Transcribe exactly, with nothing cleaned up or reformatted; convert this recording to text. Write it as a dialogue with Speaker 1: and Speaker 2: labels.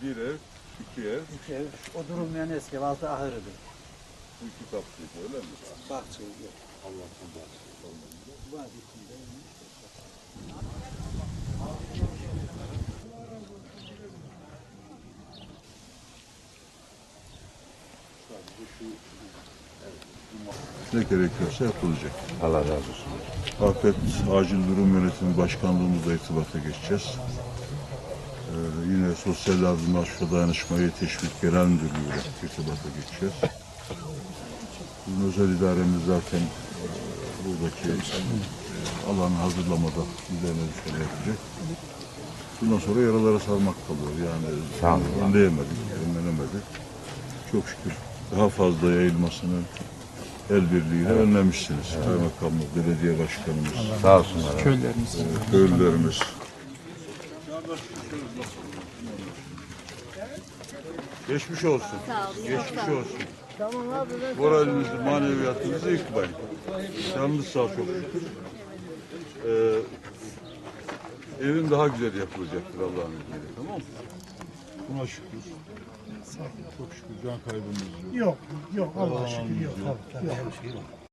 Speaker 1: Bir ev, iki ev.
Speaker 2: İki ev. O durulmayan eski ev altı ahırıdır.
Speaker 1: Bu iki katlıydı öyle mi?
Speaker 2: Bahçe yok.
Speaker 1: Allah'tan bahsediyor.
Speaker 2: Var içinde.
Speaker 1: Ne gerekiyorsa yapılacak.
Speaker 3: Allah razı olsun.
Speaker 1: Afet Acil Durum Yönetimi Başkanlığımızla irtibata geçeceğiz. Ee, yine Sosyal Yardımlaşma ve Dayanışmaya Teşvik Genel Müdürlüğü'yle irtibata geçeceğiz. Bizim özel idaremiz zaten e, buradaki e, alanı hazırlamada üzerine düşeni yapacak. Bundan sonra yaralara sarmak kalıyor. Yani
Speaker 3: Sağ olun.
Speaker 1: önleyemedik, önlenemedik. Çok şükür daha fazla yayılmasını el birliğiyle evet. önlemişsiniz. Evet. Kaymakamımız, belediye başkanımız,
Speaker 3: sağ olsunlar.
Speaker 2: Köylerimiz.
Speaker 1: e, köylülerimiz. Geçmiş olsun.
Speaker 4: Sağ olun.
Speaker 1: Geçmiş
Speaker 4: Sağ olun.
Speaker 1: olsun. Moralinizi, maneviyatınızı yıkmayın. Canınız sağ çok şükür. Ee, evin daha güzel yapılacaktır Allah'ın izniyle, tamam mı? Buna şükür. Çok şükür can kaybımız yok.
Speaker 2: Yok, yok. Allah'a
Speaker 1: Allah'ın
Speaker 2: şükür yok.
Speaker 1: yok.
Speaker 2: Tabii, tabii. Her şey var.